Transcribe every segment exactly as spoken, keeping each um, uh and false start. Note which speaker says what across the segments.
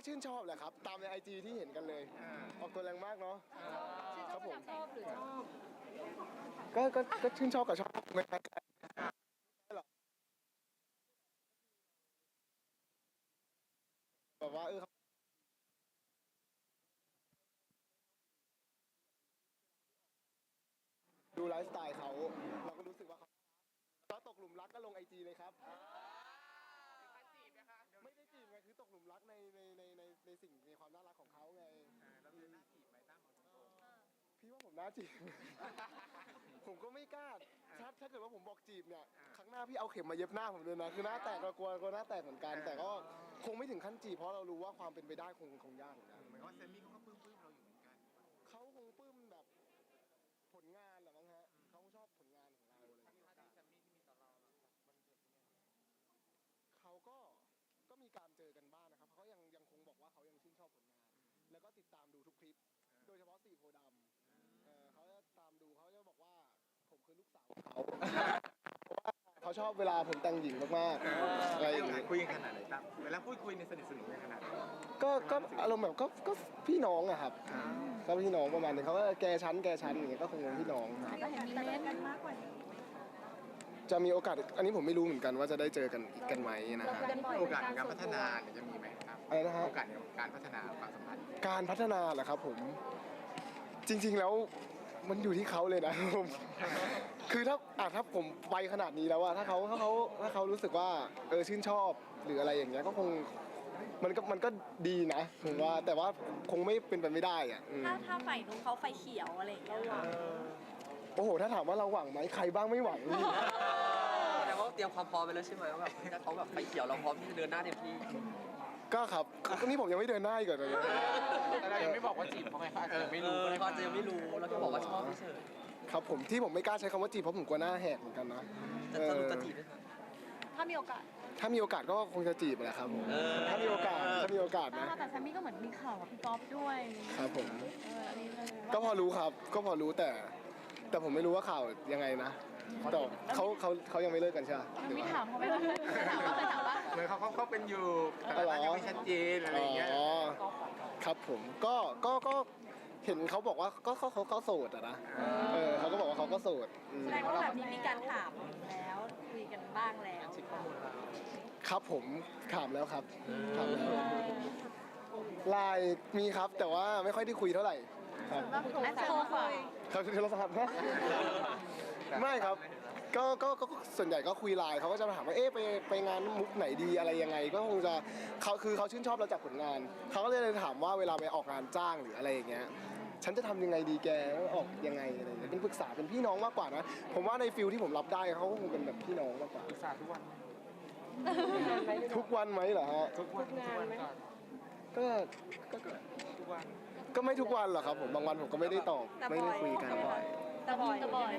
Speaker 1: ชื่นชอบแหละครับตามในไอจีที่เห็นกันเลยออกตัวแรงมากเนาะครับผม
Speaker 2: ชอบหรือชอบ
Speaker 1: ก็ก็ก็ชื่นชอบกับชอบไม่ใช่หรอกแบบว่าเออดูไลฟ์สไตล์เขาเราก็รู้สึกว่าเขาก็ตกหลุมรักก็ลงไอจีเลยครับไม่ได้จีบไงคือตกหลุมรักในในในในในสิ่งในความน่ารักของเขาไง
Speaker 3: แล้วเป็นหน้าจีบไหมตั้มของตรง
Speaker 1: พี่ว่าผมน่าจีบ ผมก็ไม่กล้าถ้าถ้าเกิดว่าผมบอกจีบเนี่ยครั้งหน้าพี่เอาเข็มมาเย็บหน้าผมเลยนะคือหน้าแตกเรากลัวกลัวหน้าแตกเหมือนกันแต่ก็คงไม่ถึงขั้นจีบเพราะเรารู้ว่าความเป็นไปได้คงคงยากเหมือนกัน
Speaker 3: เหมือนว่าเซมี่เขาก็ปลื้มปลื้มเราอยู่เหมือนกัน
Speaker 1: เขาคงปลื้มแบบผลงานแหละมั้งฮะเขาชอบผลงานของเราเลย
Speaker 3: ที่แซมมี่ที่มีต่อเรามันเกิดยังไง
Speaker 1: เขาก็ก็มีการเจอกันบ้างนะครับเขายังยังคงบอกว่าเขายังชื่นชอบผลงานแล้วก็ติดตามดูทุกคลิปโดยเฉพาะสี่โพธิ์ดำเขาจะตามดูเขาจะบอกว่าผมคือลูกสาวเขาเขาชอบเวลาผมแต่งหญิงมากๆอะไรอย่างเงี้ย
Speaker 3: คุยกันขนาดไหนตั้มเวลาพูดคุยในสนิทสนมกันขนาดไหน
Speaker 1: ก็ก็อารมณ์แบบก็ก็พี่น้องอะครับก็พี่น้องประมาณนึงเขาก็แกชั้นแกชั้นอย่างเงี้ยก็คงเป็นพี่น้อง
Speaker 2: ก็เห็นมีเล่นกันมากกว่านี้
Speaker 1: จะมีโอกาสอันนี้ผมไม่รู้เหมือนกันว่าจะได้เจอกันอีกกันไหมนะครับ
Speaker 3: โอกาสในการพัฒนาเนี่ยจะมีไหมครับ
Speaker 1: อะไรนะฮะ
Speaker 3: โอกาสในการพัฒนาความสัมพันธ์
Speaker 1: การพัฒนาเหรอครับผมจริงๆแล้วมันอยู่ที่เขาเลยนะผมคือถ้าอ่ะถ้าผมไปขนาดนี้แล้วอะถ้าเขาถ้าเขาถ้าเขารู้สึกว่าเออชื่นชอบหรืออะไรอย่างเงี้ยก็คงมันก็มันก็ดีนะผมว่าแต่ว่าคงไม่เป็นไปไม่ได้อะ
Speaker 2: ถ้าถ้าไฟนู้นเขาไฟเขียวอะไรอย่างเงี้ย
Speaker 1: โอ้โหถ้าถามว่าเราหวังไหมใครบ้างไม่หวัง
Speaker 4: แต่ว่าเตรียมความพร้อมไปแล้วใช่ไหมว่าแบบถ้าเขาแบบไฟเขียวเราพร้อมที่จะเดินหน้าเต็มที่
Speaker 1: ก็ครับก็นี่ผมยังไม่เดินหน้าอีกเลย
Speaker 3: แต่เรายังไม่บอกว่าจีบเขาไงเขาอาจจะไม่รู้
Speaker 4: เขาอาจจะยังไม่รู้แล้วก็บอกว่าชอบเฉย
Speaker 1: ครับผมที่ผมไม่กล้าใช้คำว่าจีบเพราะผมกลัวหน้าแหกเหมือนกันนะ
Speaker 4: จะสรุปจะจีบไหมครับ
Speaker 2: ถ้ามีโอกาส
Speaker 1: ถ้ามีโอกาสก็คงจะจีบแหละครับผมถ้ามีโอกาสถ้ามีโอกาสนะ
Speaker 2: แต่แซมมี่ก็เหมือนมีข่าวกับพี่ก๊อฟด้วย
Speaker 1: ครับผมก็พอรู้ครับก็พอรู้แต่แต่ผมไม่รู้ว่าข่าวยังไงนะแต่เขาเขาเขายังไม่เลิกกันใช่ไหม
Speaker 2: มีถามเขาไหมว่าถามว่าเคยถามว่า
Speaker 3: เหมือนเขาเขาเขาเป็นอยู่แต่ว่ายังไม่ชัดเจนอะไรอย่างเงี้ย
Speaker 1: อ๋อครับผมก็ก็ก็เห็นเขาบอกว่าก็เขาเขาเขาโสดอะนะเออเขาก็บอกว่าเขาก็โสด
Speaker 2: แสดงว่าแบบนี้มีการถามแล้วคุยกันบ้างแล้ว
Speaker 1: ครับผมถามแล้วครับถามแล้วไลน์มีครับแต่ว่าไม่ค่อยได้คุยเท่าไหร่ครับ
Speaker 2: โทรคุย
Speaker 1: เขาโทรศัพท์นะไม่ครับก็ก็ก็ส่วนใหญ่ก็คุยไลน์เขาก็จะถามว่าเอ๊ะไปไปงานมุกไหนดีอะไรยังไงก็คงจะเขาคือเขาชื่นชอบเราจากผลงานเขาก็เลยถามว่าเวลาไปออกงานจ้างหรืออะไรอย่างเงี้ยฉันจะทำยังไงดีแกออกยังไงอะไรเงี้ยเป็นปรึกษาเป็นพี่น้องมากกว่านะผมว่าในฟิลที่ผมรับได้เขาก็คงเป็นแบบพี่น้องมากกว่า
Speaker 3: ปรึกษาทุกวัน
Speaker 1: ทุกวันไหมเหรอฮะ
Speaker 3: ทุกวันทุกวัน
Speaker 1: ก็ก็
Speaker 3: ทุกวัน
Speaker 1: ก็ไม่ทุกวันหรอกครับผมบางวันผมก็ไม่ได้ตอบไม่ได้คุยกัน
Speaker 2: แต่บ่อยแต่บ่อย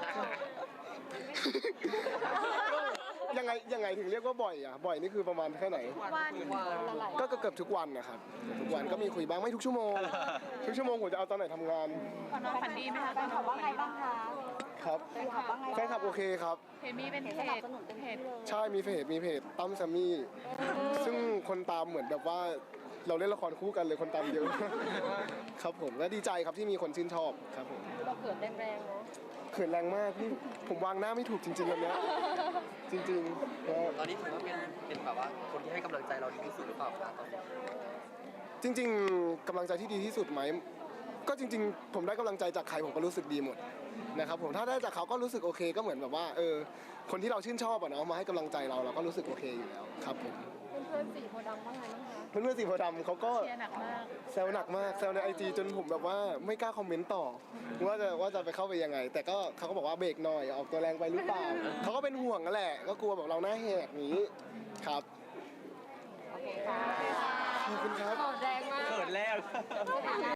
Speaker 1: ยังไงยังไงถึงเรียกว่าบ่อยอ่ะบ่อยนี่คือประมาณแค่ไหน
Speaker 2: วัน
Speaker 1: ก็เกือบทุกวันนะครับทุกวันก็มีคุยบ้างไม่ทุกชั่วโมงทุกชั่วโมงผมจะเอาตอนไหนทำงาน
Speaker 2: ก่อนนอนฝันดีไหมคะแฟนคลับว่าไงบ้างคะ
Speaker 1: ครับแฟนคลับโอเคครับ
Speaker 2: เห็นมีเป็นเพจเพจ
Speaker 1: ใช่มีเพจมีเพจตั้มแซมมี่ซึ่งคนตามเหมือนแบบว่าเราเล่นละครคู่กันเลยคนตามเยอะครับผมและดีใจครับที่มีคนชื่นชอบครับผม
Speaker 2: เราเกิดแรงๆเนาะ
Speaker 1: เขินแรงมากพี่ผมวางหน้าไม่ถูกจริงๆแบบนี้จริงๆ
Speaker 4: ตอนนี้ถือว่าเป็นเป็นแบบว่าคนที่ให้กำลังใจเราดีที่สุดหรือเปล่าครับตอนนี้
Speaker 1: จริงๆกำลังใจที่ดีที่สุดไหมก็จริงๆผมได้กำลังใจจากใครผมก็รู้สึกดีหมดนะครับผมถ้าได้จากเขาก็รู้สึกโอเคก็เหมือนแบบว่าเออคนที่เราชื่นชอบอะเนาะมาให้กำลังใจเราเราก็รู้สึกโอเคอยู่แล้วครับผม
Speaker 2: เพื่อนๆสีโพธิ์ดำว่าไงบ้างคะ
Speaker 1: เพื่อนๆสีโพธิ์ดำเขาก็
Speaker 2: แซวหนักมาก
Speaker 1: แซวหนักมากแซวในไอจีจนผมแบบว่าไม่กล้าคอมเมนต์ต่อว่าจะว่าจะไปเข้าไปยังไงแต่ก็เขาก็บอกว่าเบรกหน่อยออกตัวแรงไปหรือเปล่าเขาก็เป็นห่วงนั่นแหละก็กลัวแบบเราหน้าแหกนี้ครับ
Speaker 2: โอเคค่ะ
Speaker 1: ขอบคุณครับ
Speaker 2: แรงมาก
Speaker 4: เกิดแล้ว